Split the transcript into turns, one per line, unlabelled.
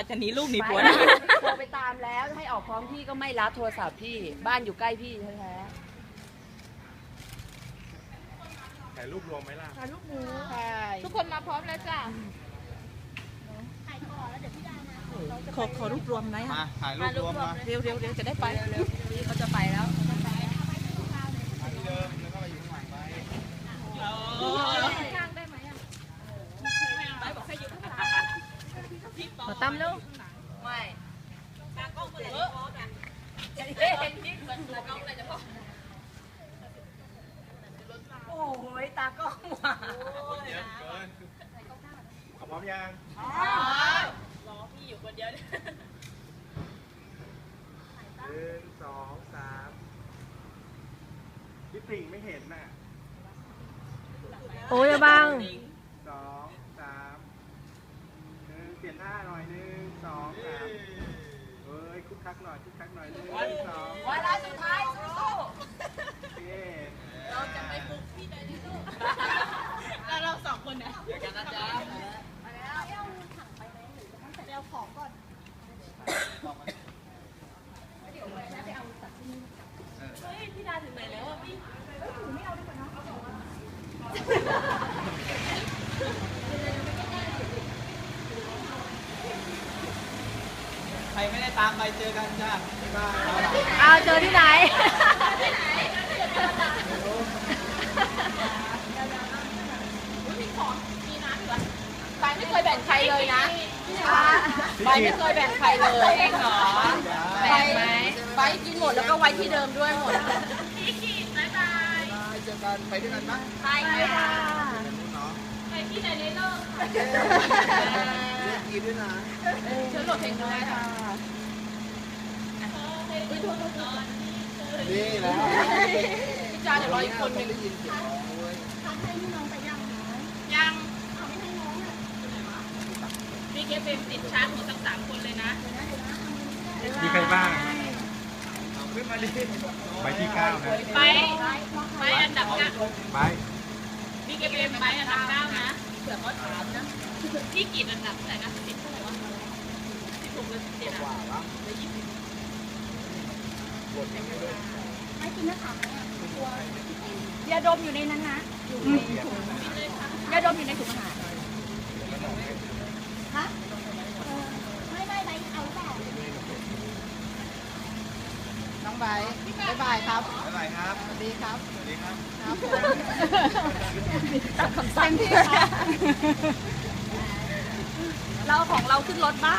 จะหนีลูกหนีผัวนะ
โทรไปตามแล้วให้ออกพร้อมพี่ก็ไม่รับโทรศัพท์พี่บ้านอยู่ใกล้พี่แท้
ถ่ายรูปรวมไหมล่ะ
ๆถ่ายรูปหมูใช่
ทุกคนมาพร้อมแล้วจ้ะขอรูปรวมไหม
มาถ่ายรูปรวมมา
เร็วจะได้ไป
พี่เขาจะไปแล้ว
ถ่ายที่เดิมแล้วก็ไปอยู่ข้างหลังไป
ขอตั้มลูกไม่โอ้ยตากล้องหวาน
เยอะเกินเอาพร้อมยัง
รอพี่อยู่คนเดียว
1 2 3พี่ติ่งไม่เห็นน่ะ
โอ้ยบัง
2 3เปลี่ยนท่าหน่อย 1 2 3เฮ้ยคึกคักหน่อย1 2
วาระสุดท้ายสู้
โอเค
เราจะไปบุกพี่ใดที่ลูกแล้วเราสองคนเนี่ยเดี๋ยวกันนะจ๊ะเฮ้ยพี่ดาถึงไหนแล้วอ่ะพี่
ใครไม่ได้ตามไปเจอกันจ้าบ๊ายบาย
เอาเจอที่ไหน
ไปไม่เคยแบ่งใครเลยนะไปไม่เคยแบ่งใครเลยเองเหรอแบ่งไหมไปกินหมดแล้วก็ไว้ที่เดิมด้วยหมดพี่ขีดบ๊ายบาย
เจอกันไปด้วยกันปะ
ไปค่ะ
เนาะ
ไปที่ไหนในโลก
กีด้วยนะ
ฉันโหลดเพลงด้วยค่ะ
นี่แหละ
พี่จ้าเดี๋ยวรออีกคนหนึ่ง
ได้ยินเสียงร้องด้วย
ยังพี่เก็บเป็นติดชาร์จหมดทั้ง3 คนเลยนะ
มีใครบ้างเอาขึ้นมาดิใบที่9นะ
ไปอันดับ9
ใบ
พี่เก็บเป็นไปอันดับ9นะเผื่อเขาถามนะพี่กี่อันดับแต่นะ10เท่าไหร่วะ16หรือ17
กว่า
อ่ะ
แล้ว
หรือ20
ยาดมอยู่ในนั้นนะยาดมอยู่ในถุงอาหารฮะไม่ไปเอาเปล่าน้องใบบ๊ายบายครับ
บ๊ายบายครับ
สวัสดีครับ
สวัสดีครับ
ตัดคำสั่งที่เราของเราขึ้นรถบ้า